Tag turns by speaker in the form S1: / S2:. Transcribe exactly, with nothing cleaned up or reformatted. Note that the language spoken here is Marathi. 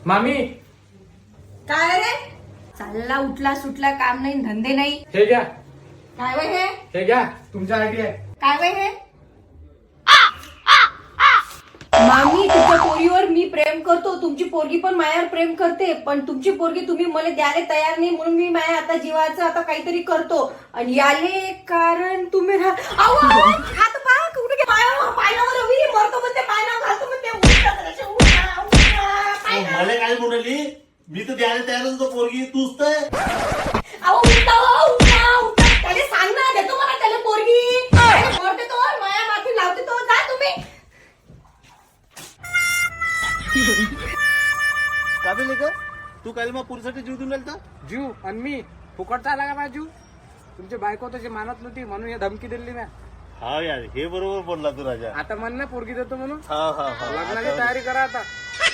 S1: मामी
S2: काय रे? चालला उठला सुटला, काम नाही धंदे नाही.
S1: हे घ्या,
S2: काय वय हे?
S1: हे घ्या, तुमच्यासाठी आहे.
S2: काय वय हे? मामी, तुमच्या पोरीवर मी प्रेम करतो, तुमची पोरगी पण मायावर प्रेम करते, पण तुमची पोरगी तुम्ही मला द्यायला तयार नाही, म्हणून मी माया आता जीवाचं आता काहीतरी करतो. आणि याले कारण तुम्ही रा- आऊ, आऊ, हात पाय कुठे गे- पायावर पायावर रवी मरतो म्हणते, पायावर घालतो म्हणते, उठा जराशे, उठा, उठा, पायावर.
S3: मला काय म्हणाली? मी तर द्यायला तयार होतो पोरगी, तूच तर.
S2: अहो, उठा, उठा, उठा. त्याला सांग ना, देतो मला त्याला पोरगी. मरते तो, माया माथी लावते तो, जा तुम्ही.
S3: का बे लेका? तू काल मग पुरीसाठी जीव देऊन राहिलता?
S1: जीव आणि मी फुकटचा आला का माझा जीव? तुमची बायको तशी मानत नव्हती म्हणून हे धमकी दिली ना.
S3: हा यार, हे बरोबर बोलला तू राजा.
S1: आता म्हण ना पोरगी देतो म्हणून.
S3: हा हा हा
S1: लग्नाची तयारी करा आता.